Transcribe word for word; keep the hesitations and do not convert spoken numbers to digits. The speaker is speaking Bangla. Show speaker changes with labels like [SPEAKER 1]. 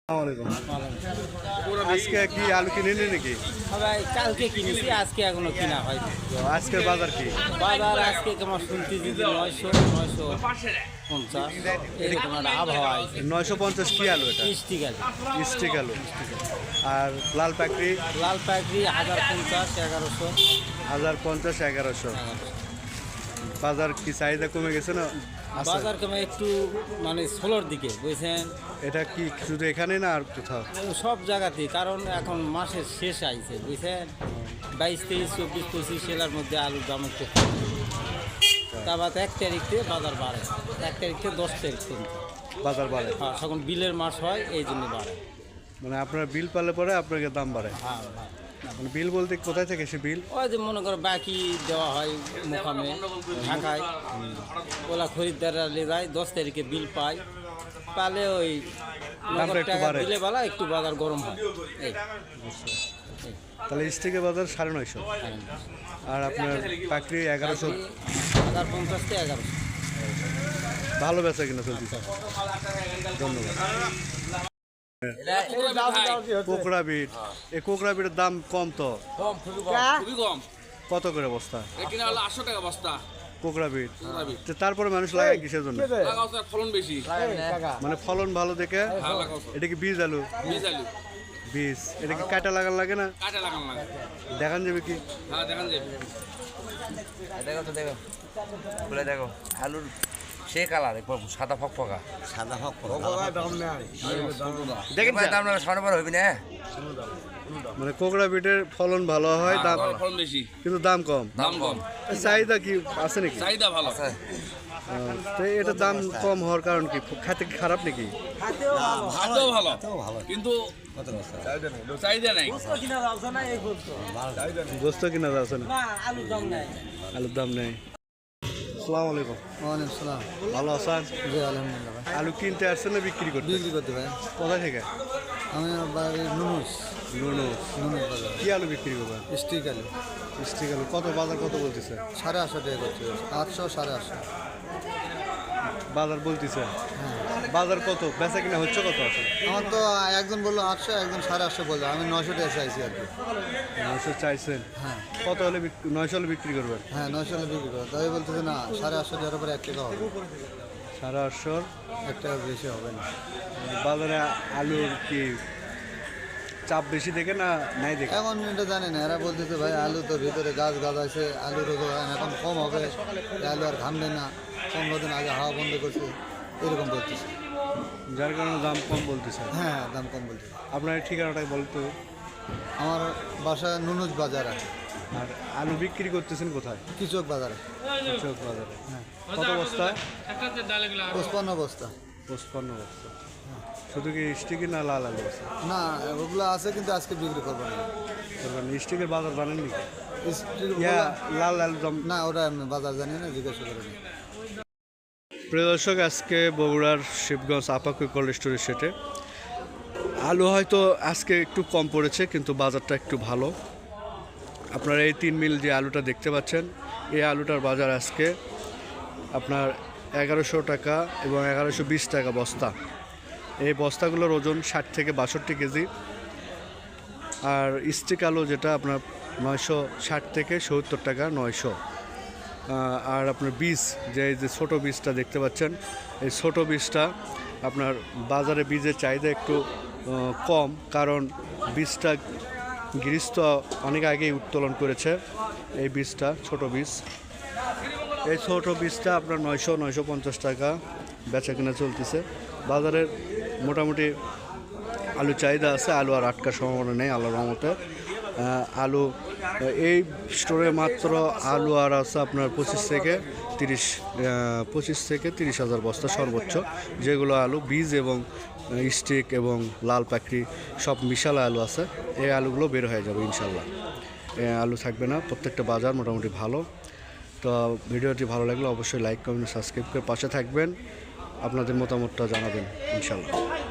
[SPEAKER 1] আজকে কি আলু কিনেনি নাকি?
[SPEAKER 2] ভাই কালকে কিনেছি, আজকে এখনো কিনা হয়নি।
[SPEAKER 1] আজকের বাজার কি?
[SPEAKER 2] বাজার আজকে কেমন শুনছি দিদি নয়শো নয়শো পঞ্চাশ এরকম একটা আবহাওয়া আছে।
[SPEAKER 1] নয়শো পঞ্চাশ কি আলু এটা?
[SPEAKER 2] স্টিক আলু।
[SPEAKER 1] স্টিক আলু। আর লাল পাকড়ি?
[SPEAKER 2] লাল পাকড়ি হাজার পঞ্চাশ এগারোশো।
[SPEAKER 1] হাজার পঞ্চাশ এগারোশো। বাজার কি চাহিদা কমে গেছে না?
[SPEAKER 2] বাজার কমে একটু মানে ষোলোর দিকে বুঝছেন।
[SPEAKER 1] এটা কি শুধু এখানে না আর কোথাও?
[SPEAKER 2] সব জায়গাতেই, কারণ এখন মাসের শেষ আইছে বুঝছেন। বাইশ তেইশ চব্বিশ পঁচিশ সেলার মধ্যে আলুর দাম একটু কম। তারপর এক তারিখ থেকে বাজার বাড়ে, এক তারিখ থেকে দশ তারিখ পর্যন্ত
[SPEAKER 1] বাজার বাড়ে।
[SPEAKER 2] হ্যাঁ, তখন বিলের মাস হয়, এই জন্য বাড়ে।
[SPEAKER 1] মানে আপনার বিল পালে পরে আপনাকে দাম বাড়ে?
[SPEAKER 2] হ্যাঁ,
[SPEAKER 1] মানে বিল বলতে কোথায় থেকে সে বিল?
[SPEAKER 2] ওই যে মনে করো বাকি দেওয়া হয় মোকামে ঢাকায়, ওলা খরিদ্দাররা নিয়ে যায়, দশ তারিখে বিল পায়, পালে ওই বিলে বেলা একটু বাজার গরম হয়। এই
[SPEAKER 1] তাহলে স্টিকের বাজার সাড়ে নয়শো, আর আপনার পাকড়ি এগারোশো।
[SPEAKER 2] হাজার পঞ্চাশ থেকে এগারোশো।
[SPEAKER 1] ভালো বেচা কিনা চলছে, ধন্যবাদ। কোকড়া বিট, এই কোকড়া বিটের দাম কম তো?
[SPEAKER 3] খুবই কম।
[SPEAKER 1] কত করে বস্তা?
[SPEAKER 3] এখানে হলো আটশো টাকা বস্তা
[SPEAKER 1] কোকড়া বিট। তারপরে মানুষ লাগায় কিসের জন্য?
[SPEAKER 3] ফলন বেশি,
[SPEAKER 1] মানে ফলন ভালো দেখে। এটা কি বীজ আলু?
[SPEAKER 3] বীজ আলু
[SPEAKER 1] বীজ। এটা কি কাটা লাগান লাগে না?
[SPEAKER 3] কাটা লাগানো লাগে।
[SPEAKER 1] দেখান যাবে কি?
[SPEAKER 3] হ্যাঁ দেখান যাবে।
[SPEAKER 4] দেখো তো দেখো, বলে দেখো আলুর সে কালার একবার সাদা ফকফকা,
[SPEAKER 2] সাদা হোক
[SPEAKER 4] দেখেন দাম না সাড়ে বারো হবি না।
[SPEAKER 1] মানে কোকড়া বিটের ফলন ভালো হয়, দাম
[SPEAKER 3] ফলন বেশি
[SPEAKER 1] কিন্তু দাম কম।
[SPEAKER 3] দাম কম।
[SPEAKER 1] চাহিদা কি আছে নাকি?
[SPEAKER 3] চাহিদা ভালো আছে।
[SPEAKER 1] তো এটা দাম কম হওয়ার কারণ কি? খাতে কি খারাপ নাকি?
[SPEAKER 3] খাদ্যও ভালো কিন্তু চাহিদা নাই।
[SPEAKER 1] গোস্ত কিনা যাচ্ছে না, আলুর দাম নেই। আসসালামু আলাইকুম।
[SPEAKER 2] ওয়ালাইকুম সালাম।
[SPEAKER 1] ভালো আছেন?
[SPEAKER 2] জি আলহামদুলিল্লাহ ভাই।
[SPEAKER 1] আলু কিনতে আসছেন না বিক্রি করতে?
[SPEAKER 2] বিক্রি করতে ভাই।
[SPEAKER 1] কোথা থেকে?
[SPEAKER 2] আমি বাড়ি নুনুস।
[SPEAKER 1] নুনুস।
[SPEAKER 2] নুনুস বাজার।
[SPEAKER 1] কি আলু বিক্রি করবেন?
[SPEAKER 2] স্টিক আলু।
[SPEAKER 1] স্টিক আলু কত? বাজার কত বলতেছে?
[SPEAKER 2] সাড়ে আটশো টাকা করছে, আটশো সাড়ে আটশো
[SPEAKER 1] বাজার বলতেছে।
[SPEAKER 2] হ্যাঁ।
[SPEAKER 1] বাজার কত বেচা কিনা হচ্ছে কত আছে?
[SPEAKER 2] আমার তো একজন বললো আটশো, একজন সাড়ে আটশো বললো, আমি নশো টাকা চাইছি আর কি।
[SPEAKER 1] নয়শো চাইছেন?
[SPEAKER 2] হ্যাঁ।
[SPEAKER 1] কত হলে বিক- নয়শো হলে বিক্রি করবেন?
[SPEAKER 2] হ্যাঁ নয়শো হলে বিক্রি করো, তাই বলতেছে না সাড়ে আটশো টাকার উপরে এক টাকা হবে,
[SPEAKER 1] সাড়ে আটশোর
[SPEAKER 2] এক টাকা বেশি হবে না।
[SPEAKER 1] বাজারে আলুর কি চাপ বেশি দেখে না নাই দেখে?
[SPEAKER 2] এখন এটা জানি না, এরা বলতেছে ভাই আলু তো ভিতরে গাছ গাছ আছে, আলুর এখন কম হবে, এই আলু আর ঘামবে না, পনেরো দিন আগে হাওয়া বন্ধ করছে, এরকম বলতেছে।
[SPEAKER 1] যার কারণে দাম কম বলতেছে।
[SPEAKER 2] হ্যাঁ দাম কম বলতেছে।
[SPEAKER 1] আপনার এই ঠিকানাটা বলতো।
[SPEAKER 2] আমার বাসা নুনুজ বাজারে।
[SPEAKER 1] আর আলু বিক্রি করতেছেন কোথায়?
[SPEAKER 2] কৃষক বাজারে।
[SPEAKER 1] চৌক বাজারে। হ্যাঁ। কত বস্তা?
[SPEAKER 2] পঁচপান্ন বস্তা।
[SPEAKER 1] পঁচপান্ন বস্তা। শুধু কি স্টিকি না লাল আলু আছে?
[SPEAKER 2] না ওগুলো আছে কিন্তু আজকে বিক্রি করবো না।
[SPEAKER 1] করবেন স্টিকের বাজার জানেন নাকি?
[SPEAKER 2] স্টিক
[SPEAKER 1] ইয়া
[SPEAKER 2] গুলো-
[SPEAKER 1] লাল আলু দাম।
[SPEAKER 2] না ওটা আমি বাজার জানি না, জিজ্ঞাসা করে নি।
[SPEAKER 1] প্রিয় দর্শক, আজকে বগুড়ার শিবগঞ্জ আপাকুই কোল্ড স্টোরের সেটে আলু হয়তো আজকে একটু কম পড়েছে, কিন্তু বাজারটা একটু ভালো। আপনারা এই তিন মিল যে আলুটা দেখতে পাচ্ছেন, এই আলুটার বাজার আজকে আপনার এগারোশো টাকা এবং এগারোশো বিশ টাকা বস্তা। এই বস্তাগুলোর ওজন ষাট থেকে বাষট্টি কেজি। আর স্টিক আলু যেটা আপনার নয়শো ষাট থেকে সত্তর টাকা নয়শো। আর আপনার বীজ যে এই যে ছোটো বীজটা দেখতে পাচ্ছেন, এই ছোটো বীজটা আপনার বাজারে বীজের চাহিদা একটু কম, কারণ বীজটা গৃহস্থ অনেক আগেই উত্তোলন করেছে। এই বীজটা ছোট বীজ, এই ছোট বীজটা আপনার নয়শো নয়শো পঞ্চাশ টাকা বেচা কিনা চলতেছে। বাজারের মোটামুটি আলু চাহিদা আছে, আলু আর আটকার সম্ভাবনা নেই আল্লাহর রহমতে। আলু এই স্টোরে মাত্র আলু আর আছে আপনার পঁচিশ থেকে তিরিশ পঁচিশ থেকে তিরিশ হাজার বস্তা সর্বোচ্চ, যেগুলো আলু বীজ এবং স্টিক এবং লাল পাকড়ি সব মিশালা আলু আছে। এই আলুগুলো বের হয়ে যাবে ইনশাল্লাহ, আলু থাকবে না। প্রত্যেকটা বাজার মোটামুটি ভালো। তো ভিডিওটি ভালো লাগলে অবশ্যই লাইক কমেন্ট সাবস্ক্রাইব করে পাশে থাকবেন, আপনাদের মতামতটা জানাবেন ইনশাল্লাহ।